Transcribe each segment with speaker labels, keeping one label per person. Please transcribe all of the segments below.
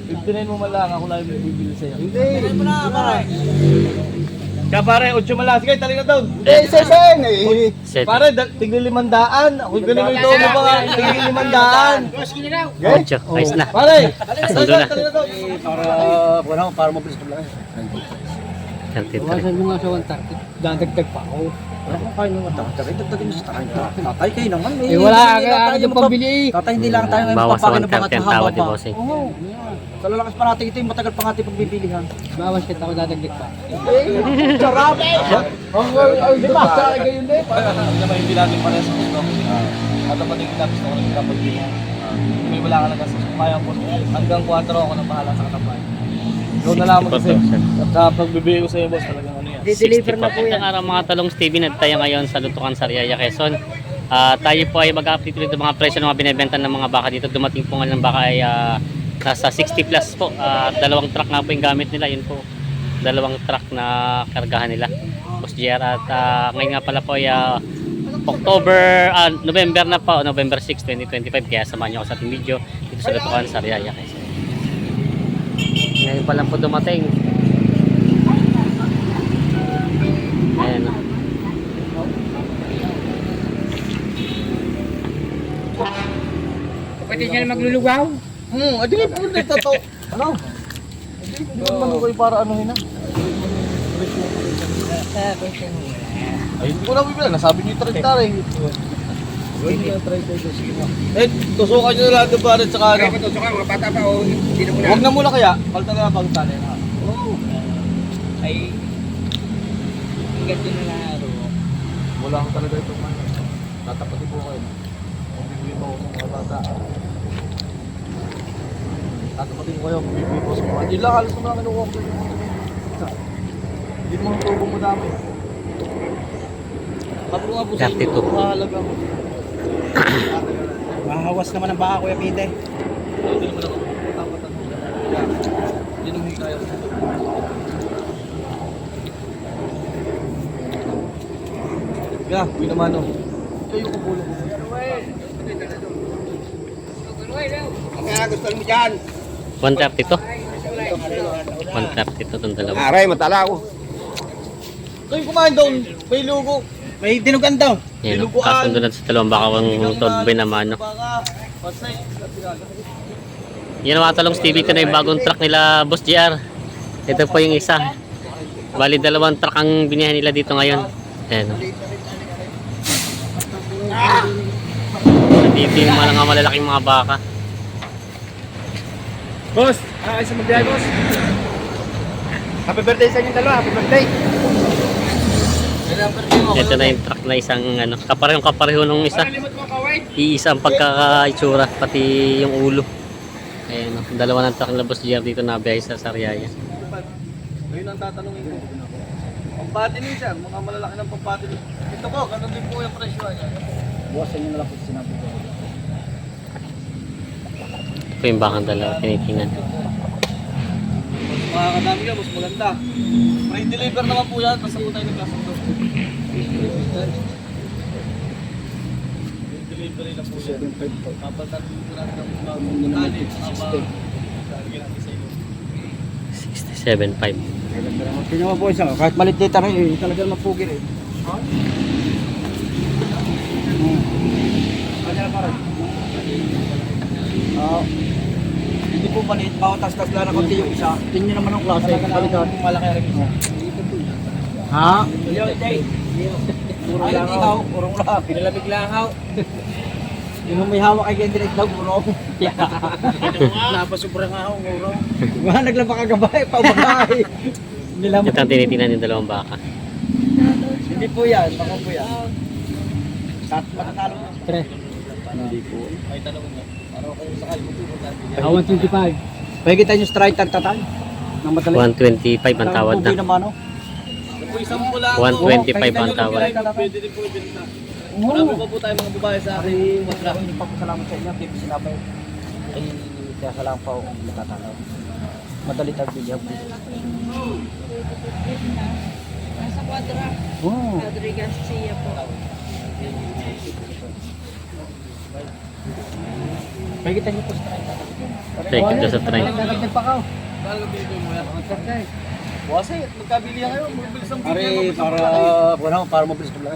Speaker 1: 59 mo man lang, ako lang yung bibili sa'yo.
Speaker 2: Hindi. Hindi mo na, pare.
Speaker 1: Kaya pare, 8 man lang. Sige, tali na doon.
Speaker 2: Hindi, seseng eh.
Speaker 3: Set.
Speaker 1: Pare, tigli 500. Ako galing ko ito mo ba? Tigli 500.
Speaker 3: Ocho. Ayos na.
Speaker 1: Pare,
Speaker 3: Sundo na.
Speaker 1: tali na doon.
Speaker 2: Para mabilis ko lang.
Speaker 3: 33.
Speaker 1: mo nga sa 130. Dadagdag pa ako.
Speaker 2: Wala kang kain naman. Tatay, dagdagin mo sa tatay. Tatay kayo naman.
Speaker 1: Eh wala ka yung pambili.
Speaker 2: Tatay, hindi lang tayo ngayon
Speaker 3: Bawas sa
Speaker 2: papakinabangat
Speaker 3: 130 ang
Speaker 2: sa haba
Speaker 3: tawad ni
Speaker 2: pa.
Speaker 3: Bossing.
Speaker 2: Oo. Sa lalakas pa natin ito yung matagal pa natin pagbibilihan.
Speaker 1: Bawas kita ako dadagdag pa.
Speaker 2: Sarap!
Speaker 1: Di ba? Sa akin gayon din. Hindi naman hindi natin pala sa gusto. At ang patingin natin gusto ko ng kapag-bili. May wala ka lang kasi kaya po. Hanggang 4 ako na bahala sa katabayan. Ikaw na lang kasi. At sa pagbibigay ko sa iyo boss talagang ano yan.
Speaker 2: Di-deliver na po yan.
Speaker 3: Ang araw mga talong Stevie, tayo ngayon sa Lutukan Sariaya, Quezon. Tayo po ay mag-update ulit ng mga presyo ng mga binibenta ng mga baka dito. Dumating po nga ng baka ay nasa 60 plus po. Dalawang truck nga po yung gamit nila. Yun po, dalawang truck na kargahan nila. Boss JR. At ngayon nga pala po ay November na po, November 6, 2025. Kaya samahan nyo ako sa ating video dito sa Lutukan Sariaya, Quezon. Ngayon pa lang po dumating. Ayan o.
Speaker 2: Pwede niya na maglulugaw?
Speaker 1: Adi nga po dito to. Ano? Hindi naman ako kayo para anuhin na. Ay, hindi ko na bibila. Nasabi niyo 30 rin. Eh, tusukan nyo na lahat ng barit sa kano.
Speaker 2: Tusukan, mga bata pa o hindi na muna.
Speaker 1: Huwag na muna kaya. Palta na lang pagtali.
Speaker 2: Oo. Ay, ingat yun na laro.
Speaker 1: Wala ko talaga itong ano. Tatapatin ko kayo. Kung bibili mo ako mga bata. Tatapatin ko kayo. Kung bibili ko sa mga. Yun lang, halos naman kinukuha ko kayo. Hindi mo ang tubo mo dami. Kapag nga po sa inyo,
Speaker 3: 32.
Speaker 1: mahalaga mo.
Speaker 2: Mahawas naman ang baka, Kuya Pite.
Speaker 1: Hindi naman ako tapatan mo. Hindi naman kaya. Kaya, uwi naman o. Kayo ko pulo.
Speaker 2: Kaya gusto mo dyan.
Speaker 3: 130 to. 130 to itong dalawa.
Speaker 2: Aray, matala ako.
Speaker 1: Kayo kumain doon. May lugo.
Speaker 2: May dinugan daw.
Speaker 3: Yan o. Kasundo na sa dalawang baka ang todbe naman. No?
Speaker 1: Baka, pasay.
Speaker 3: Yan ang mga talong Stevie. Ito na yung bagong truck nila Boss JR. Ito po yung isa. Bali dalawang truck ang binihan nila dito ngayon. Ayan o. Dito yung mga malalaking mga baka.
Speaker 2: Boss, ay sa magbiyahe, boss. Happy birthday sa inyong dalawa. Happy birthday.
Speaker 3: Ito na yung truck na isang ano, kapareho nung isa.
Speaker 2: Limot mo, kaway.
Speaker 3: Iisa ang pagkakaitsura, pati yung ulo. Ayan o, dalawa ng truck na Boss JR dito na biyahe sa Sariaya.
Speaker 1: Ngayon ang tatanungin ko. Pampatinin siya. Mga malalaki ng pampatinin. Ito po, ganun din po yung presyo.
Speaker 2: Boss, inyo na lang po sinabi ko.
Speaker 3: Ito po yung bakang dalawa, tinitingnan.
Speaker 1: Mas makakadami yan, mas maganda. Free deliver naman po yan. Basta po tayo nagkasundo. Free delivery na po yan. Kapaltan po natin ang bagong tali. Lalagyan natin sa iyo.
Speaker 3: 67.5.
Speaker 2: Tingnan mo, boys. Kahit malit data rin, talagang mapugil eh. Hindi po maliit, bawatas-tas lang na konti yung isa. Tingnan naman ang klase. Malaki rin isa. Ha? Puro lang ikaw, purong lang. Pinalamig lang ako. Yung may hawak kay Gendrix daw, puro. Napasubrang ako, puro. Wala, naglaba ka gabay, paubagay.
Speaker 3: Ito ang tinitingnan yung dalawang baka.
Speaker 2: Hindi po yan, baka po yan. Matatalo mo. Tre. Hindi po.
Speaker 1: May tanong mo. Ano kayo sakay mo po?
Speaker 2: 125. Pwede tayo yung strike tatatan. Nang madali.
Speaker 3: 125 ang tawad
Speaker 2: Pugi
Speaker 3: na.
Speaker 2: naman, no?
Speaker 1: Po isang pula.
Speaker 3: 125 ang tawad.
Speaker 1: Pwede din po ibenta. Marami pa po tayo mga babae sa akin.
Speaker 2: Maraming pagpasalamat sa inyo. Hindi sinabay. Ay, kaya sa lang pa ako kung natatalaw. Madali tayo bilihap.
Speaker 4: Nasa Quadra.
Speaker 2: Oo.
Speaker 4: Rodriguez Garcia po.
Speaker 2: Pagitan niyo po sa 30.
Speaker 3: Take it sa train.
Speaker 2: Nagdagdag pa ka.
Speaker 1: Kala dito mo yan. Buwasay, magkabili yan kayo. Mabilis ang
Speaker 2: Pare,
Speaker 1: bigyan.
Speaker 2: para mabilis ko lang.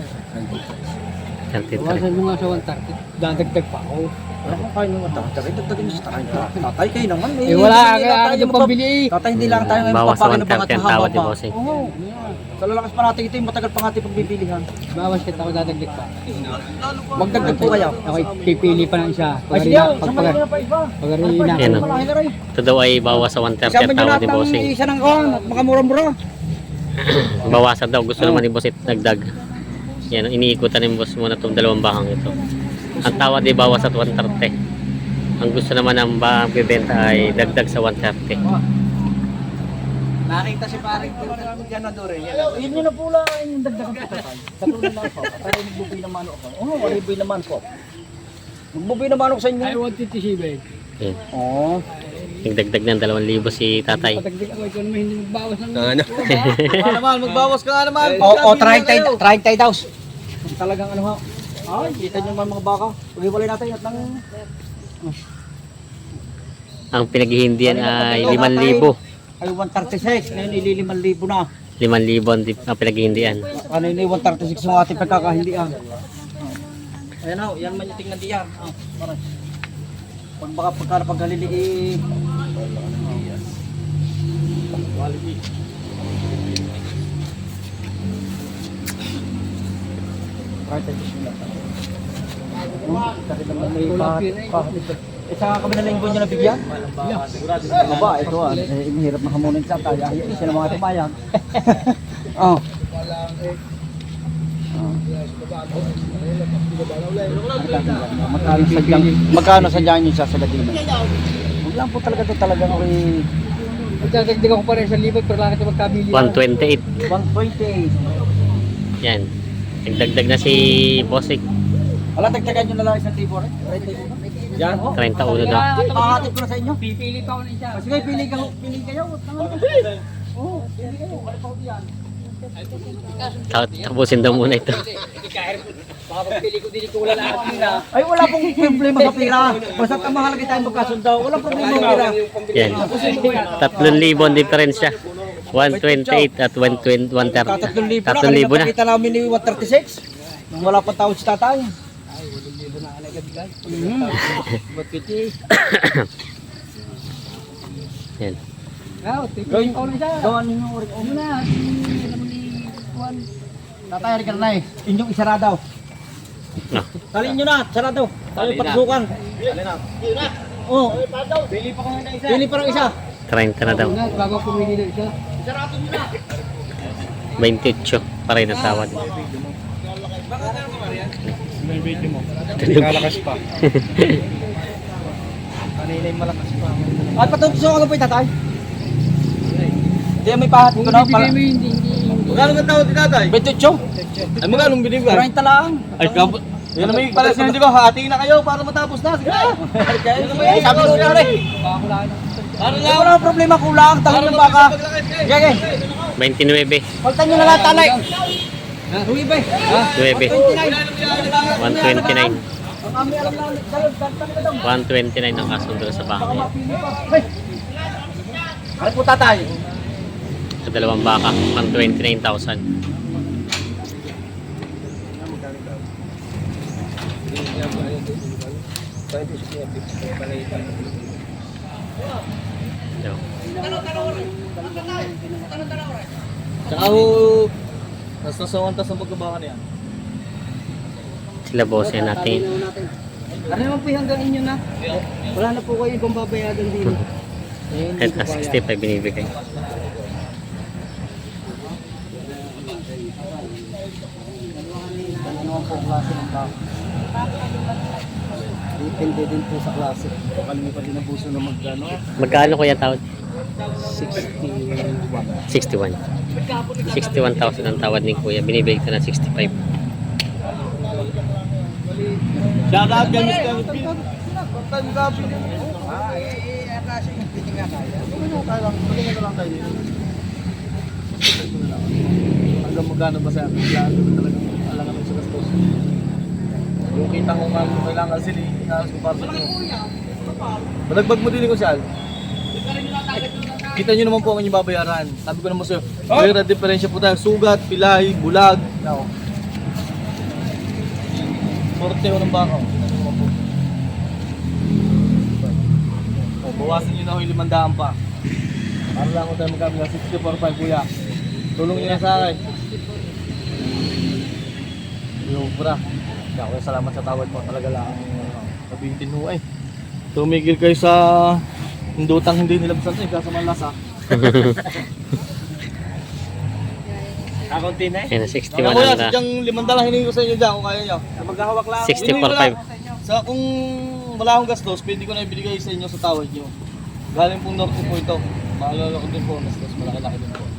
Speaker 3: 33.
Speaker 2: mo nga sa 130. Dadagdag pa ako. Wala kang kain ng 130. Dagdagin niyo sa 30. Tatay kayo naman.
Speaker 5: Eh wala ka yung pambili.
Speaker 2: Tatay, hindi lang tayo ngayon
Speaker 3: Bawas sa
Speaker 2: magpapakinabangat
Speaker 3: 130 ang
Speaker 2: sa
Speaker 3: tawad
Speaker 2: haba
Speaker 3: ni
Speaker 2: pa.
Speaker 3: bossing.
Speaker 2: Oo. Sa lalakas pa natin ito yung matagal pa natin pagbibilihan.
Speaker 5: Bawas kita ako dadagdag pa.
Speaker 2: Magdagdag po kayo.
Speaker 5: Ako pipili pa ng isa.
Speaker 2: Ay, sige, samahan nyo na pa iba.
Speaker 5: Pag-arina.
Speaker 3: Yan, oh.
Speaker 2: Malaki na rin.
Speaker 3: Ito daw ay bawas sa 130
Speaker 2: Isama
Speaker 3: ang
Speaker 2: nyo
Speaker 3: tawad
Speaker 2: lahat
Speaker 3: ni
Speaker 2: ng
Speaker 3: bossing.
Speaker 2: isa ng kawan. Makamura-mura.
Speaker 3: Bawasan daw. Gusto naman ni boss dagdag. Yan, iniikutan ng boss muna itong dalawang bakang ito. Ang tawad ay bawas sa 130. Ang gusto naman ng bibenta ay dagdag sa 130.
Speaker 1: Nakita si paring ganador eh.
Speaker 2: Yun yun na po lang yung dagdagan po tatay. Katulad lang po. Pero magbubuy naman ako. Oo, walibuy naman po. Magbubuy naman ako sa inyo.
Speaker 5: Ay, 157.
Speaker 3: Yan.
Speaker 2: Oo.
Speaker 3: Nagdagdag ng 2,000 si tatay.
Speaker 5: Patagdag ako, ikaw naman hindi magbawas ng...
Speaker 1: Nga naman, magbawas ka nga naman.
Speaker 2: Oo, 30 daw. Talagang ano ha. Ay, kita nyo naman mga baka. Pag-iwalay natin at ng...
Speaker 3: Ang pinaghihindihan ay 5,000.
Speaker 2: Ay, 136. Ngayon, ili 5,000 na.
Speaker 3: 5,000 ang pinaghihindihan.
Speaker 2: Ano yun, 136 ng ating pagkakahindian. Ayan ho, yan man yung tingnan diyan. Parang. Pag baka pagkalili sa kami na linggo nyo nabigyan? Aba, ito mahirap na hamunin sa tayo. Isa ng mga timayag. Oh. Magkano sa dyan yung sasagadin? Huwag lang po talaga ito talagang okay.
Speaker 5: Patagdag ako pa rin sa libot, pero lang ito magkabili.
Speaker 3: 128.
Speaker 2: 128.
Speaker 3: Yan. Nagdagdag na si Bossik.
Speaker 2: Wala, tagtagan nyo na lang isang libo rin. Yan.
Speaker 3: 31 daw.
Speaker 2: Makahatid ko na sa inyo.
Speaker 5: Pipili pa ako ng isa.
Speaker 2: Sige, pili kayo. Oo, pili kayo. Ano pa ko yan?
Speaker 3: Tapusin daw muna ito.
Speaker 5: Baka pagpili ko, dili ko wala lahat nila.
Speaker 2: Ay, wala pong problema sa pira. Basta ang mahalaga tayo magkasundo. Wala problema sa pira.
Speaker 3: Yan. 3,000 ang diferensya. 128 at 130.
Speaker 2: 3,000 na.
Speaker 3: 3,000 na.
Speaker 2: Kita namin ni 136. Nung wala pa tawad si tatay.
Speaker 3: Yan.
Speaker 5: Pipili pa ako ng isa.
Speaker 2: Gawan ninyo ulit. O muna. Tatay, harika na eh. Inyong isara daw.
Speaker 3: Ah.
Speaker 2: Talin nyo na, sarado. Tayo pagsukan. Oo.
Speaker 1: Pili pa kayo na isa.
Speaker 2: Pili pa ng isa.
Speaker 3: 30 na daw.
Speaker 5: Una, bago ako pumili ng isa.
Speaker 3: 28 pa rin ang tawad.
Speaker 1: May video mo. Kalakas pa. Kanina yung malakas pa.
Speaker 2: At patutusukan ko po yung tatay. Hindi may pahat ko
Speaker 5: Kung
Speaker 2: na.
Speaker 5: bibigay mo hindi.
Speaker 1: Magkano ang tawad ni tatay?
Speaker 2: 28.
Speaker 1: Ay, magkano binibigay?
Speaker 2: 30 lang.
Speaker 1: Ay, kapot. Yan naman yung pala sinabi ko, hatiin na kayo para matapos na. Sige.
Speaker 2: Sabi ko na rin.
Speaker 1: Ano
Speaker 2: Hindi ko na problema, kulang. Talon ng baka. Sige.
Speaker 3: 29.
Speaker 2: Paltan nyo na lahat, talay.
Speaker 5: Uwi ba?
Speaker 3: 9. 129.
Speaker 2: Ang kami alam lang, talon, talon na daw.
Speaker 3: 129 ang kasundo sa baka.
Speaker 2: Mapili pa. Hey! Ano po tatay?
Speaker 3: Sa dalawang baka, 129,000. So,
Speaker 1: Tsaka ho, nasa sawantas ang pagkabaka niya.
Speaker 3: sila boss yan natin.
Speaker 5: Ano naman po yung hanggang inyo na? Wala na po kayo ibang babayadan din.
Speaker 3: Kahit na 65 binibigay.
Speaker 2: Ano naman po klase ng baka? Depende din po sa klase.
Speaker 1: Kalimi pa din ang puso na magkano.
Speaker 3: Magkano ko yung tawad?
Speaker 2: 61.
Speaker 3: 61. 61,000 ang tawad ni Kuya. Binibigay ko na 65.
Speaker 1: Shout out kay Mr. Pin. Time gabi. Hanggang magkano ba sa akin? Talagang alangan ng sa gastos. Yung kita ko nga kailangan sila inalas ko para sa inyo. Balagbag mo din ko siya. Kita nyo naman po ang inyong babayaran. Sabi ko naman sa'yo, may diferensya po tayo. Sugat, pilay, bulag. Ako. Sorte ko ng baka. Bawasan nyo na ako yung 500 pa. Para lang ako tayo magkami ng 64.5 kuya. Tulong nyo na sa akin. Yung bra. Kaya ako salamat sa tawad mo. Talaga lang sabihin mo eh. Tumigil kayo sa hindutang hindi nilabsan eh. Kasa malasa.
Speaker 2: Kakunti na
Speaker 3: Ayan, 61
Speaker 1: Ako yan,
Speaker 3: ang
Speaker 1: sadyang 500 hiningi ko sa inyo dyan kung kaya nyo.
Speaker 2: Maghahawak lang.
Speaker 3: 64.5.
Speaker 1: Sa kung wala akong gastos, pwede ko na ibigay sa inyo sa tawad nyo. Galing pong norte po ito. Maalala ko din po, gastos malaki-laki din po.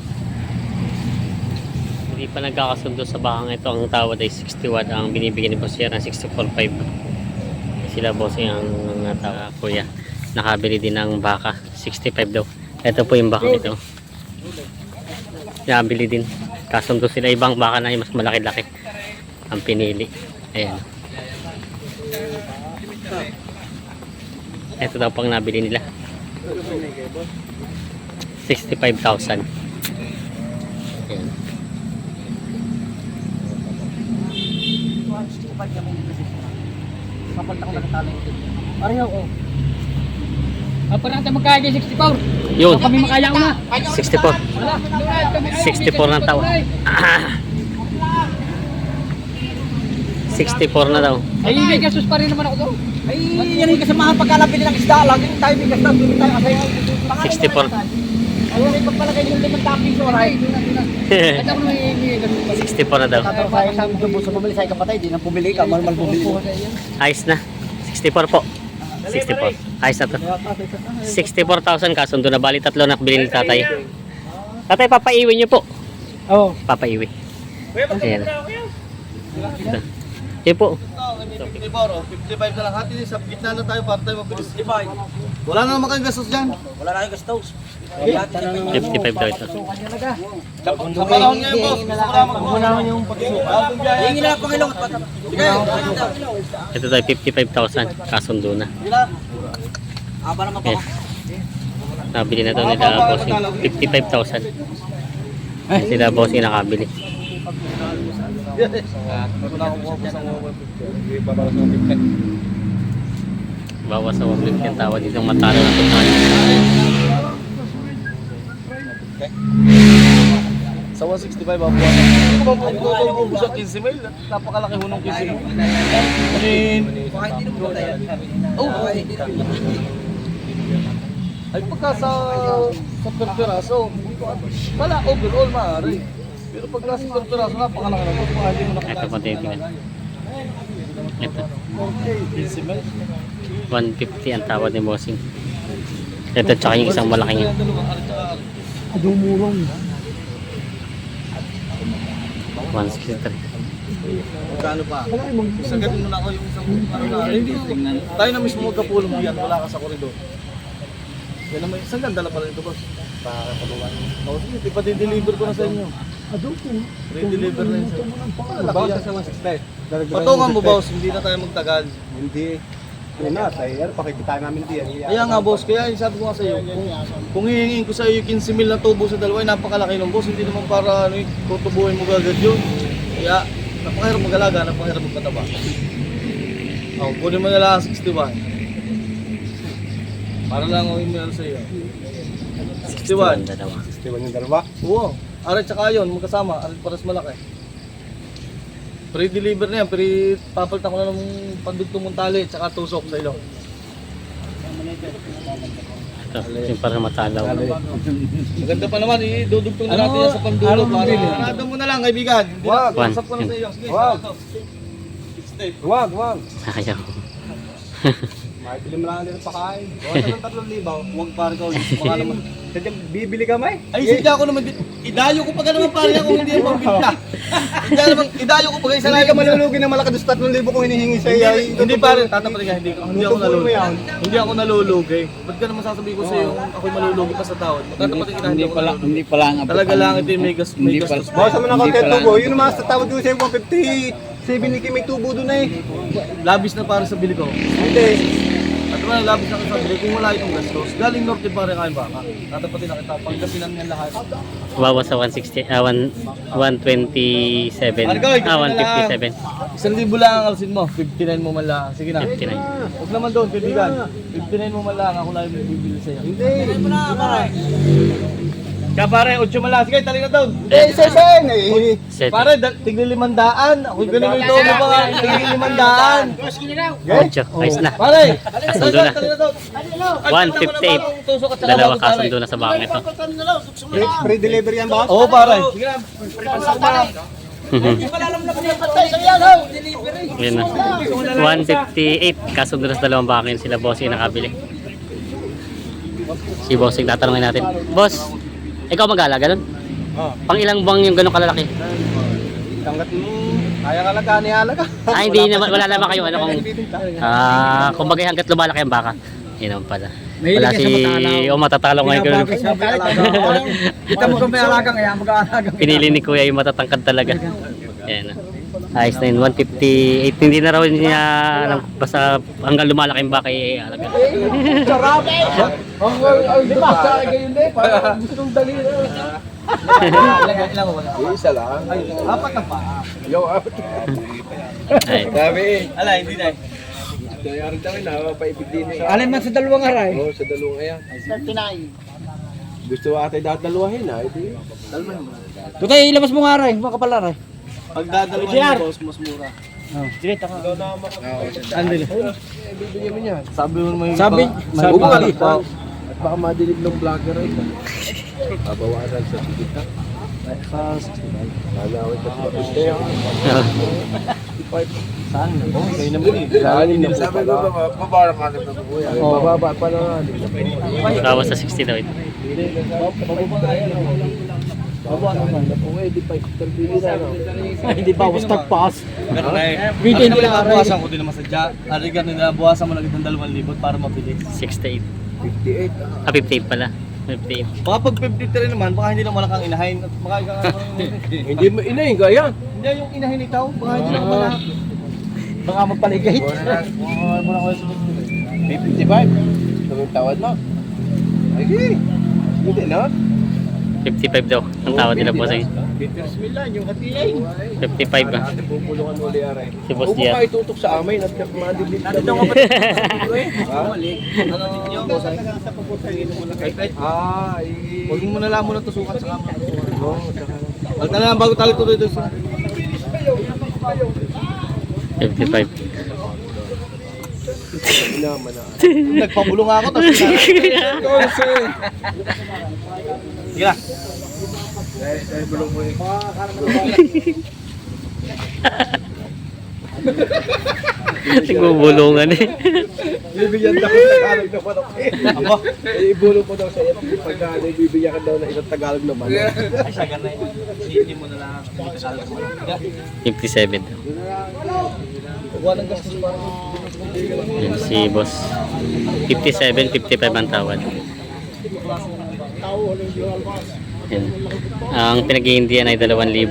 Speaker 3: Hindi pa nagkakasundo sa bakang ito. Ang tawad ay 61. Ang binibigyan ni Boss Yer ng 64.5. Sila boss ang kuya. Nakabili din ng baka. 65 daw. Ito po yung bakang ito. Nakabili din. Kasundo sila ibang baka na mas malaki-laki. Ang pinili. Ayan. Ito daw pang nabili nila. 65,000. Ayan.
Speaker 2: Kapag ako nagtalo ito. Pareho ko.
Speaker 5: Apa natin magkaya 64?
Speaker 3: Yun.
Speaker 5: Kami makaya ko na.
Speaker 3: 64. 64 na tao. 64 na daw.
Speaker 5: Ay, may gasos pa rin naman ako doon.
Speaker 2: Ay, yan yung kasamahan pagkalapin ng isda lang. Yung tayo may gastos. Yung tayo asay.
Speaker 3: 64.
Speaker 2: Ayun, ay pagpalagay yung 5 piso. Right?
Speaker 5: At ako may gasos pa rin.
Speaker 3: 64 na daw.
Speaker 2: Tatrapahin sa dubo sa pumili sa kapatay. Di na pumili ka. Malmal pumili mo.
Speaker 3: Ayos na. 64 po. 64. Ayos na to. 64,000 kasundo na bali tatlo na bilhin ni tatay. Tatay, papaiwi niyo po.
Speaker 5: Oo.
Speaker 3: Papaiwi. Ayan. Ito. Yun po.
Speaker 1: 54 o 55 na lang. Hati sa gitna na tayo para tayo mabilis. Wala na naman kayong gastos dyan.
Speaker 2: Wala na yung gastos.
Speaker 3: 55 daw ito.
Speaker 1: Sa panahon ngayon boss, gusto ko lang magmuna yung pagsuka.
Speaker 2: Hingin na lang Panginoon. Sige.
Speaker 3: Ito tayo 55,000 kasundo na.
Speaker 2: Aba naman
Speaker 3: Ayan. Nabili na daw nila bossing 55,000. Ayan sila bossing nakabili. Bawas sa 150 ang tawad dito matalo na tumayo.
Speaker 1: Sa 165 ako. Hindi ko ba ubus ang 15 mil? Napakalaki hunong 15 mil. Oh. Ay pagka sa per piraso, wala overall maaari. Pero pag nasa per piraso, napakalaki na. Hindi mo
Speaker 3: Ito po titingnan. Ito.
Speaker 1: 15 mil.
Speaker 3: 150 ang tawad ni bossing. Ito tsaka yung isang malaking yun.
Speaker 5: Dumurong.
Speaker 1: 163.
Speaker 3: 163.
Speaker 1: Magkano pa? Isang gabi muna ako yung isang tayo na mismo magkapulong yan, wala ka sa koridor. Yan naman, isang ganda na pala ito boss. Para kabukan. O sige, ipa-deliver ko na sa inyo. Re-deliver na yun sir.
Speaker 6: Bawas sa 160.
Speaker 1: Patungan mo boss, hindi na tayo magtagal.
Speaker 6: Hindi. Yun na, tayo. Pakikita namin diyan.
Speaker 1: Kaya nga boss, kaya yung sabi ko nga sa iyo, kung hihingin ko sa iyo 15 mil na tubo sa dalawa, ay napakalaki ng boss, hindi naman para ano, tutubuhin mo agad yun. Kaya napakahirap mag-alaga, napakahirap magpataba. O, kunin mo na lang ang 61. Para lang ako email sa iyo. 61.
Speaker 3: Dalawa.
Speaker 6: 61 yung dalawa.
Speaker 1: Oo. Aray tsaka yun, magkasama. Aray paras malaki. Pre-deliver na yan. Papalitan ko na ng pandugtong mong tali tsaka tusok sa ilong.
Speaker 3: Ito, yung para matalaw.
Speaker 1: Maganda pa naman, idudugtong na natin yan sa pandulo. Parado mo na lang, kaibigan. Hindi na,
Speaker 3: One.
Speaker 1: usap ko na sa iyo. Sige,
Speaker 6: Wag.
Speaker 1: ito.
Speaker 6: Wag, wag.
Speaker 3: Ayaw.
Speaker 6: Makipili mo lang din ang pakain. Bawas ng 3,000.
Speaker 1: Huwag para ikaw. Baka naman.
Speaker 6: Sadyang bibili ka may?
Speaker 1: Ay, sidya ako naman. Idayo ko pa ka naman pare ako, hindi yung pambinta. Idayo ko pa kayo sa
Speaker 6: Hindi ka malulugi ng malaki doon 3,000 kung hinihingi sa iyo.
Speaker 1: Hindi pare, tatapos ka, hindi ako
Speaker 6: Tutubuin mo
Speaker 1: nalulugi.
Speaker 6: yan.
Speaker 1: Hindi ako nalulugi. Ba't ka naman sasabihin ko sa iyo, ako'y malulugi pa sa tawad. Magtatapat kita, hindi ako nalulugi.
Speaker 5: Hindi pala nga.
Speaker 1: Talaga lang ito yung may gastos.
Speaker 6: Bawasan mo ng konti ang tubo. Yun naman sa tawad ko sa iyo 150. 7 may tubo doon eh.
Speaker 1: Labis na para sa bili ko.
Speaker 6: Hindi.
Speaker 1: At Diba, labis na kita bili, kung wala itong gastos, galing norte pa rin kayo baka. Tatapatin na kita, pagkasinan nga lahat.
Speaker 3: Bawas sa 160, 127.
Speaker 1: Ano gawin?
Speaker 3: 157.
Speaker 1: 1,000 lang ang alsin mo, 59 mo man lang. Sige na.
Speaker 3: 59.
Speaker 1: Huwag naman doon, kaibigan. 59 mo man lang, ako lang yung bibili sa'yo.
Speaker 6: Hindi.
Speaker 1: Kaya pare, 8 man lang. Sige, tali na doon.
Speaker 6: Eh, seseng! Eh,
Speaker 3: Set.
Speaker 1: Pare, tigli 500. Ako ganun yung doon mo ba? Tigli 500.
Speaker 3: Ocho. Ayos na.
Speaker 1: Pare,
Speaker 3: Kasundo na.
Speaker 1: tali na doon.
Speaker 3: 158.
Speaker 1: Tusok at saka
Speaker 3: Dalawa
Speaker 1: bago, pare.
Speaker 3: kasundo na sa bakang ito.
Speaker 6: free delivery yan, boss?
Speaker 1: Oo, pare. Sige na.
Speaker 3: Yun na. 158. Kasundo na sa dalawang bakang sila bossing nakabili. Si bossing tatanungin natin. Boss, ikaw mag-alaga nun?
Speaker 6: Oo.
Speaker 3: Pang ilang buwang yung ganun kalalaki?
Speaker 6: Hanggat mo, kaya nga lang kanialaga.
Speaker 3: Hindi naman, wala naman kayo ano kung kumbaga hanggat lumalaki ang baka. Yun naman pala. Wala si matatalo ngayon.
Speaker 2: Kita mo kung may alaga kaya mag-aalaga.
Speaker 3: Pinili ni Kuya yung matatangkad talaga. Ayan. Ayos na yun, 158. Hindi na raw niya basta hanggang lumalaki yung baka alaga.
Speaker 1: Sarap! Ang di ba? Sa akin gayon din. Parang gusto nung dali. Ilang wala?
Speaker 6: Isa lang.
Speaker 1: Apat na pa.
Speaker 6: Yo, apat.
Speaker 3: Ayun.
Speaker 6: Sabi
Speaker 1: Ala, hindi na.
Speaker 6: Kaya rin tayo na, paipig din eh.
Speaker 2: Alin man sa dalawang aray.
Speaker 6: Oo, sa dalawang ayan. Gusto ate dalawahin ha, ito yun.
Speaker 2: Tutay, ilabas mo nga aray. Mga kapal aray.
Speaker 1: Pag dadalawan mo, boss, mas mura. Andil.
Speaker 6: Bibigyan mo niyan.
Speaker 1: Sabi mo naman yung
Speaker 2: Sabi,
Speaker 6: Sabi
Speaker 2: sabi,
Speaker 6: dito. At baka madilig ng vlogger ay. Babawasan sa tigit ha. Lalawin ka sa piste ha.
Speaker 1: Saan? Oh, kayo naman eh.
Speaker 6: Lalim na sabi ko ba, babara ka na ito kuya. Bababa pa na.
Speaker 3: Bawas sa 60 daw ito.
Speaker 2: hindi ba, was tagpaas.
Speaker 1: Pero na eh.
Speaker 2: Bigyan
Speaker 1: Ang
Speaker 2: nila aray.
Speaker 1: buwasan ko din naman sadya. Arigan nila, buwasan mo lang itong 2,000 para mabilis.
Speaker 3: 68.
Speaker 6: 58
Speaker 3: Ah, 58 pala. 58.
Speaker 1: Baka pag 53 naman, baka hindi naman kang inahin. At baka ikaw
Speaker 6: Hindi mo inahin ka yan.
Speaker 1: hindi yung inahin ikaw. Baka hindi naman malaki.
Speaker 2: Baka magpaligay.
Speaker 1: Muna ko yung
Speaker 6: 55. Anong tawad mo? Ay, hindi na.
Speaker 3: 55 daw. Ang tawad nila bossing.
Speaker 6: Bismillah, yung hatiyain.
Speaker 3: 55 ba?
Speaker 6: Ate pupulungan uli aray.
Speaker 3: Si Boss
Speaker 6: Huwag mo
Speaker 3: Diaz.
Speaker 6: kayo tutok sa amin at madilig na.
Speaker 1: Ano ninyo?
Speaker 6: Ah,
Speaker 1: Huwag mo na lang muna tusukan sa kama. Huwag na lang bago tayo tuloy doon sa...
Speaker 3: 55.
Speaker 6: naman na.
Speaker 1: Nagpabulong ako. Tapos sige na.
Speaker 6: Dahil bulong mo eh.
Speaker 3: Nagbubulungan eh.
Speaker 6: Bibigyan daw ng Tagalog na manok eh.
Speaker 1: Ako?
Speaker 6: Ibulong po daw sa iyo pagka bibigyan ka daw ng isang Tagalog na manok.
Speaker 1: Ay, sagar na yun. Hindi mo na lang.
Speaker 3: 57 daw.
Speaker 1: Kuha ng gastos para
Speaker 3: Yan si boss. 57, 55 ang tawad. Yan. Ang pinag-iindihan ay 2,000.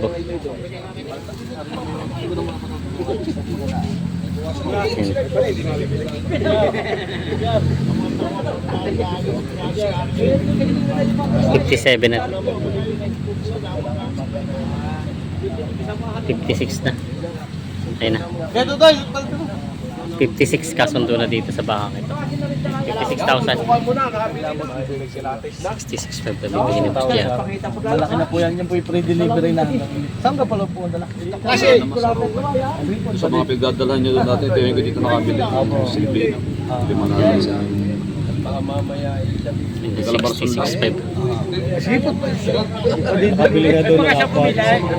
Speaker 3: Yan. 57 na. 56 na. Ayun na.
Speaker 1: Kaya ito tayo.
Speaker 3: 56 kasundo na dito sa bakang ito. 56,000. 66,500 bibigyan ni Boss Diaz.
Speaker 1: Malaki na po yan. Yan po yung pre-delivery na. Saan ka pala po ang dala?
Speaker 7: Sa mga pagdadalhan nyo doon natin, ito yung dito nakabili. Simple na. Lima na lang sa
Speaker 6: Baka mamaya
Speaker 3: 66,500.
Speaker 1: Sige po. Pabili nga doon ng apat.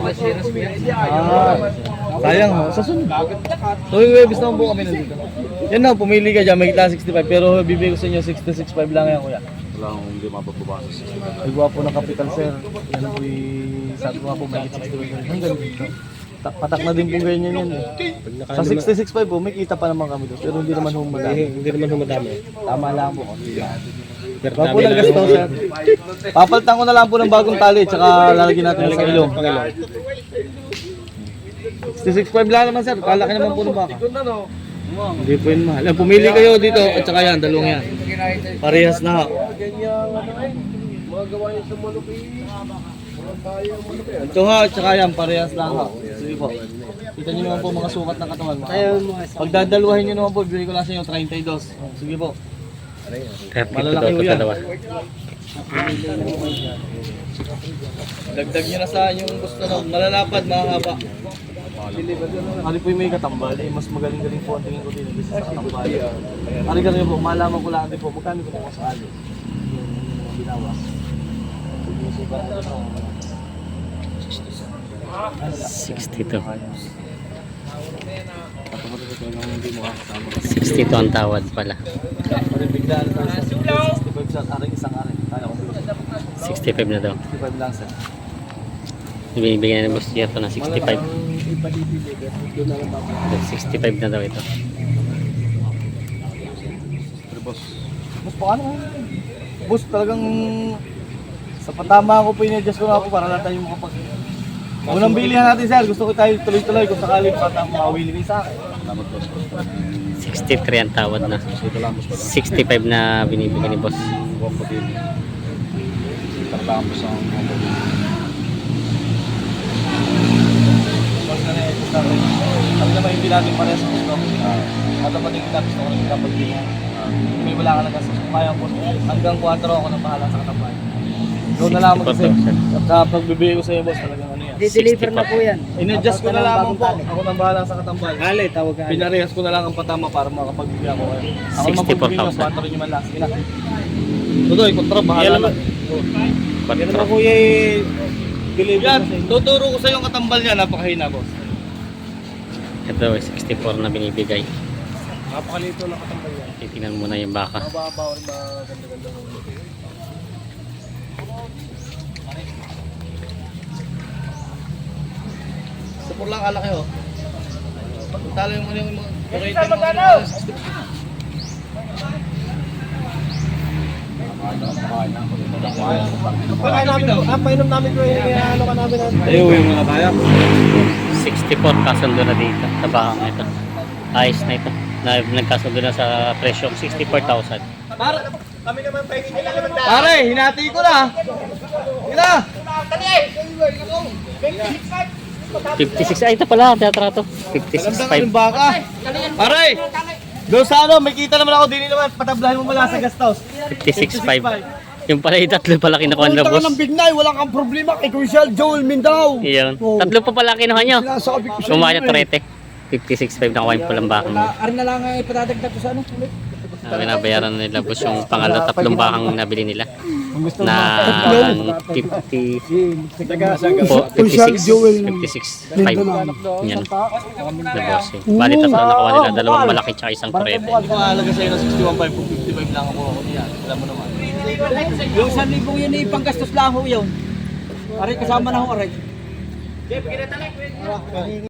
Speaker 1: Sayang ho. Sa sunod. So yung webis naman po kami nandito. Yan na, pumili ka dyan. May kita 65. Pero bibigay ko sa inyo 66.5 lang yan kuya.
Speaker 7: wala akong hindi mapapabasa.
Speaker 1: Ay gwapo ng kapital sir. Yan po sabi ko nga po may 65. Hanggang dito. Patak na din po ganyan yan eh. Sa 66.5 po, may kita pa naman kami doon. Pero hindi naman humadami.
Speaker 6: hindi naman humadami.
Speaker 1: Tama lang po. Wala po lang gasto sir. Papalitan ko na lang po ng bagong tali. Tsaka lalagyan natin sa ilong. 66.5 lang naman sir. Kalaki naman po ng baka. Hindi po yun mahal. Pumili kayo dito at saka yan, dalawang yan. Parehas na ha. Ito ha, at saka yan, parehas lang ha. Sige po. Kita nyo naman po mga sukat ng katawan. Pag dadalawahin nyo naman po, bibigay ko lang sa inyo 32. Sige po.
Speaker 3: 32
Speaker 1: Malalaki
Speaker 3: daw
Speaker 1: po
Speaker 3: ito
Speaker 1: yan.
Speaker 3: dalawa.
Speaker 1: Dagdag nyo na sa yung gusto na malalapad, mahaba. Ano po yung may katambal, mas magaling-galing po ang tingin ko din sa katambal. Ano ka rin po, malaman ko lang din po, magkano ko po sa ali. Yung binawas. Sinusukat ko ito.
Speaker 3: 62.
Speaker 1: Patapos ito yung hindi mo kasama.
Speaker 3: 62 ang tawad pala.
Speaker 1: Pwede biglaan na sa 65 sa aring isang aring. Kaya ko
Speaker 3: 65 na daw.
Speaker 1: 65 lang sir.
Speaker 3: Binibigyan na ni Boss Jeff na 65.
Speaker 1: Doon na lang ba?
Speaker 3: 65 na daw ito.
Speaker 1: Pero boss, paano nga? Boss, talagang sa patama ako po in-adjust ko na ako para lang tayo makapag... Unang bilihan natin sir, gusto ko tayo tuloy-tuloy kung sakali patama mawili sa akin.
Speaker 3: 63 ang tawad na. 65 na binibigyan ni Boss.
Speaker 1: Boss na ito sa akin. Kami naman hindi natin parehas sa gusto. At dapat yung kita gusto ko ng kapag bilihan. May wala ka lang kasi kaya po. Hanggang 4 ako nang bahala sa katapan. Doon na lang kasi. At kapag bibigay ko sa iyo boss, talagang ano yan.
Speaker 5: Di-deliver na po yan.
Speaker 1: In-adjust ko na lamang po. Ako nang bahala sa katambal.
Speaker 5: Ali, tawag ka.
Speaker 1: Pinarehas ko na lang ang patama para makapagbigay ako kayo. Ako naman
Speaker 3: 64,000.
Speaker 1: pagbigay ko, 4 nyo man lang. Sige na. Tutoy, kontra, bahala na.
Speaker 3: Yan
Speaker 1: naman kuya yan, tuturo ko sa yung katambal niya, napakahina boss.
Speaker 3: Ito 64 na binibigay.
Speaker 1: Napakalito ng katambal niya.
Speaker 3: Titingnan muna yung baka.
Speaker 1: Mababaw, maganda-ganda. Sapur lang alaki oh. Talo yung ano yung rating mo.
Speaker 6: Painom namin ko yung ano ka namin.
Speaker 1: Ayaw yung mga kaya.
Speaker 3: 64 kasundo na dito sa bakang ito. Ayos na ito. Nagkasundo na sa presyong 64,000.
Speaker 6: Kami naman pahingin nila naman
Speaker 1: Pare, hinati ko na. Ina!
Speaker 3: 56, ay ito pala, teatrato.
Speaker 1: Ganda ka
Speaker 3: 56.5.
Speaker 1: yung baka. Pare! Doon sa ano, may kita naman ako, dini naman, patablahin mo mula sa guest house.
Speaker 3: 56.5. Yung pala yung tatlo pala kinukuha na boss.
Speaker 6: Bignay, wala kang problema kay Crucial Joel Mindao.
Speaker 3: Iyon. Tatlo pa pala kinuha nyo.
Speaker 6: Sinasabi ko
Speaker 3: Sumaya na trete. 56.5 na kuha yung pulang bakang.
Speaker 5: Arin na lang ay patadagdag ko sa ano.
Speaker 3: Binabayaran na nila boss yung pangalan tatlong bakang nabili nila. Na 56, 56.5. Yan. Na boss eh. Bali tatlo nakuha nila. Dalawang malaki tsaka isang trete.
Speaker 1: Hindi ko aalaga sa'yo ng 61.5 kung 55 lang ako niyan. Alam mo naman.
Speaker 5: Yung 1,000 yun ay panggastos lang ho yun. Aray kasama na ho aray.